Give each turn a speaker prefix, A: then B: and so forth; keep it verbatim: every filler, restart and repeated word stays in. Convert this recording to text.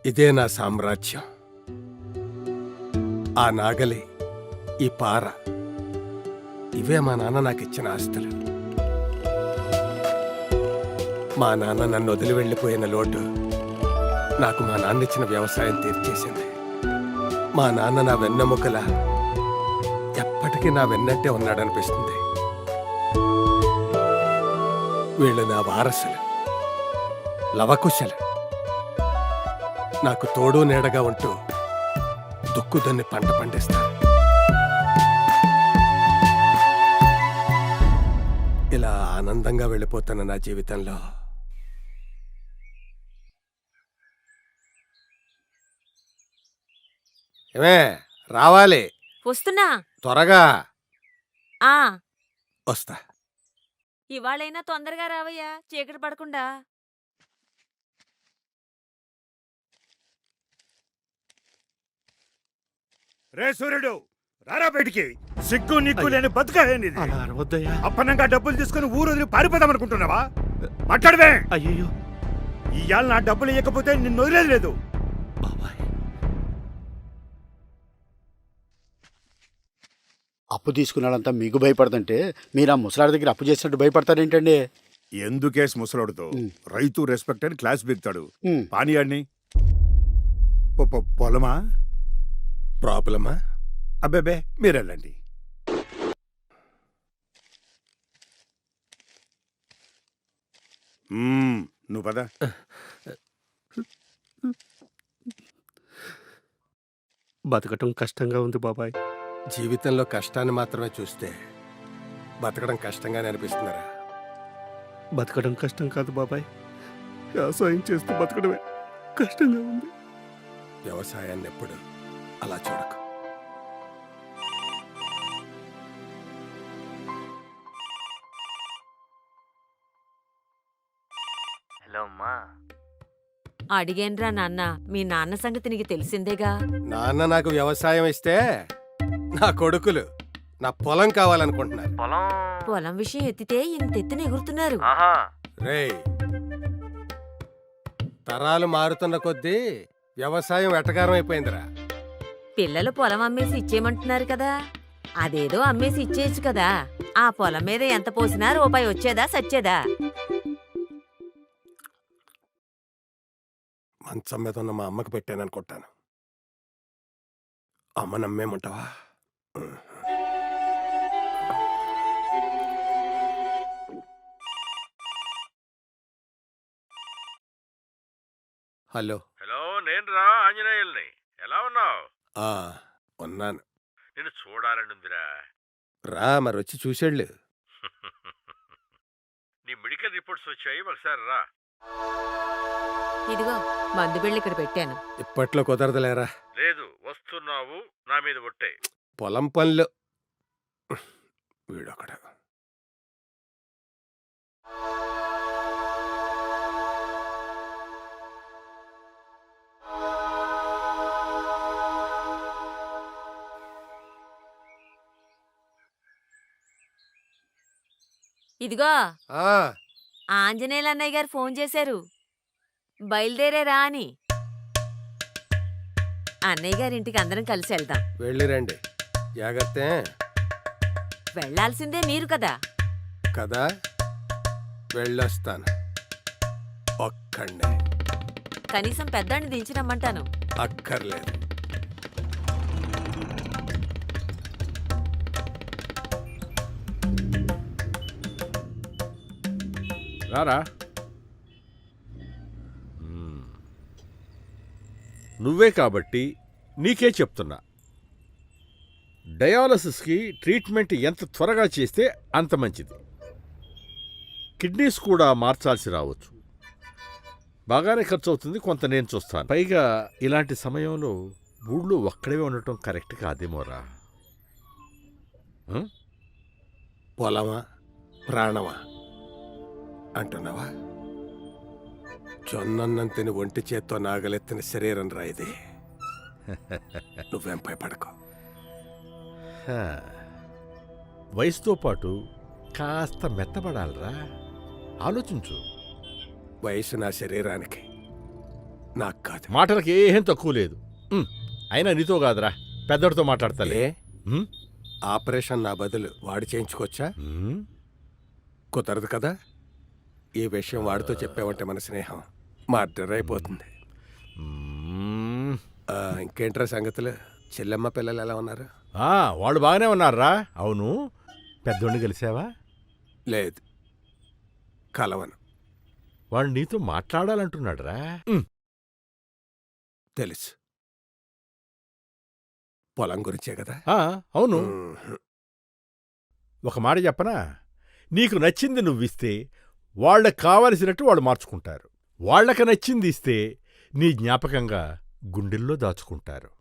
A: ఇదే నా సామ్రాజ్యం. ఆ నాగలి, ఈ పార, ఇవే మా నాన్న నాకు ఇచ్చిన ఆస్తులు. మా నాన్న నన్ను వదిలి వెళ్ళిపోయిన లోటు నాకు మా నాన్న ఇచ్చిన వ్యవసాయం తీర్చేసింది. మా నాన్న నా వెన్నెముకల ఎప్పటికీ నా వెన్నట్టే ఉన్నాడనిపిస్తుంది. వీళ్ళు నా వారసులు, లవకుశలు. నాకు తోడు నీడగా ఉంటూ దుక్కుదన్ని పంట పండిస్తారు. ఇలా ఆనందంగా వెళ్ళిపోతున్న నా జీవితంలో ఏమే రావాలి,
B: వస్తున్నా.
A: త్వరగా
B: ఆ
A: వస్తా.
B: ఇవాళైనా తొందరగా రావయ్యా, చీకటి పడకుండా.
C: రే సూర్యుడు, రారా బయటికి. సిగ్గు నిగ్గు లేని బతుకనేది.
D: అలా అరవద్దయ్యా.
C: అప్పనంగా డబ్బులు తీసుకుని ఊరు వదిలి పారిపోదాం అనుకుంటున్నావా? మాట్లాడవే.
D: అయ్యో
C: ఇవాళ నా డబ్బులు ఇవ్వకపోతే నిన్ను వదిలేదు లేదు.
D: బాబాయ్,
E: అప్పు తీసుకున్నాడంతా మీకు భయపడుతుంటే మీరు ఆ ముసలాడి దగ్గర అప్పు చేసినట్టు భయపడతారేంటండి?
C: ఎందుకేస్ ముసలాడుతో రైతు రెస్పెక్ట్ అని క్లాస్ బిగుతాడు.
E: ఉమ్.
C: పానీయాడిని పొలమా
A: ప్రాబ్లమా?
C: అబ్బేబే మీరెళ్ళండి. మ్మ్, నువ్వు పద.
D: బతకటం కష్టంగా ఉంది బాబాయ్.
A: జీవితంలో కష్టాన్ని మాత్రమే చూస్తే బతకడం కష్టంగానే అనిపిస్తున్నారా?
D: బతకడం కష్టం కాదు బాబాయ్, వ్యవసాయం చేస్తూ బతకడమే కష్టంగా ఉంది.
A: వ్యవసాయాన్ని ఎప్పుడు అలా చూడకు.
F: హలో అమ్మా.
B: అడిగేన్రా నాన్న, మీ నాన్న సంగతి నీకు తెలిసిందేగా.
A: నాన్న నాకు వ్యవసాయం ఇస్తే నా కొడుకులు నా పొలం కావాలనుకుంటున్నారు.
F: పొలం
B: పొలం విషయం ఎత్తితే ఇంతెత్తున ఎగురుతున్నారు.
F: ఆహా.
A: రేయ్, తరాలు మారుతున్న కొద్దీ వ్యవసాయం వెటకారం అయిపోయిందిరా.
B: పిల్లలు పొలం అమ్మేసి ఇచ్చేయమంటున్నారు కదా, అదేదో అమ్మేసి ఇచ్చేయచ్చు కదా. ఆ పొలం మీద ఎంత పోసినా రూపాయి వచ్చేదా సచ్చేదా?
A: మంచం మీద ఉన్న మా అమ్మకి పెట్టాననుకుంటాను. అమ్మ నమ్మేమంటావా? హలో.
G: హలో, నేను రా ఆంజనేయుల్ని. ఎలా ఉన్నావు?
A: ఆ ఉన్నాను.
G: నేను చూడాలనుందిరా.
A: రా, మరి వచ్చి చూసేళ్ళు.
G: నీ మెడికల్ రిపోర్ట్స్ వచ్చాయి, ఒకసారి రా.
B: ఇదిగో మందు బిళ్ళ ఇక్కడ పెట్టాను.
A: ఇప్పట్లో కుదరదులేరా.
G: లేదు, వస్తున్నావు, నా మీద ఒట్టే.
A: పొలం పనులు. వీడొకడు.
B: ఇదిగో
A: ఆ,
B: ఆంజనేయులు అన్నయ్య గారు ఫోన్ చేశారు, బయలుదేరేరా అని. అన్నయ్య గారింటికి అందరం కలిసి వెళ్దాం.
A: వెళ్ళిరండి, జాగ్రత్త.
B: వెళ్లాల్సిందే మీరు కదా.
A: కదా, వెళ్ళొస్తాను. ఒక్కండి.
B: కనీసం పెద్దాన్ని దించిరమ్మంటాను.
A: అక్కర్లేదు.
G: రారా. నువ్వే కాబట్టి నీకే చెప్తున్నా, డయాలసిస్కి ట్రీట్మెంట్ ఎంత త్వరగా చేస్తే అంత మంచిది. కిడ్నీస్ కూడా మార్చాల్సి రావచ్చు. బాగానే ఖర్చు అవుతుంది, కొంత నేను చూస్తాను. పైగా ఇలాంటి సమయంలో ఊళ్ళో ఒక్కడే ఉండటం కరెక్ట్ కాదేమోరా.
A: పొలమా ప్రాణమా అంటున్నావా? జొన్నన్నం తిని ఒంటి చేత్తో నాగలెత్తిన శరీరం రా ఇది. నువ్వేం భయపడకు.
G: హా, వయసుతో పాటు కాస్త మెత్తబడాలరా. ఆలోచించు.
A: వయసు నా శరీరానికి, నాకు కాదు.
G: మాటలకి ఏం తక్కువ లేదు. ఉమ్, అయినా నీతో కాదురా, పెద్దడితో మాట్లాడతలే.
A: ఏ
G: ఉమ్,
A: ఆపరేషన్ నా బదులు వాడు చేయించుకోవచ్చా?
G: ఉమ్,
A: కుదరదు కదా. ఈ విషయం వాడితో చెప్పావంటే మన స్నేహం మర్డర్ అయిపోతుంది.
G: ఉమ్.
A: ఆ, ఇంకేంట్రా సంగతులు? చెల్లెమ్మ పిల్లలు ఎలా ఉన్నారు?
G: ఆ, వాళ్ళు బాగానే ఉన్నారా? అవును, పెద్దోడిని కలిసావా?
A: లేదు, కలవను.
G: వాడు నీతో మాట్లాడాలంటున్నాడురా. ఉమ్,
A: తెలుసు, పొలం గురించే కదా.
G: ఆ, అవును.
A: మ్మ్.
G: ఒక మాట చెప్పనా? నీకు నచ్చింది నువ్విస్తే వాళ్ళకి కావలసినట్టు వాళ్ళు మార్చుకుంటారు. వాళ్ళకి నచ్చింది ఇస్తే నీ జ్ఞాపకంగా గుండెల్లో దాచుకుంటారు.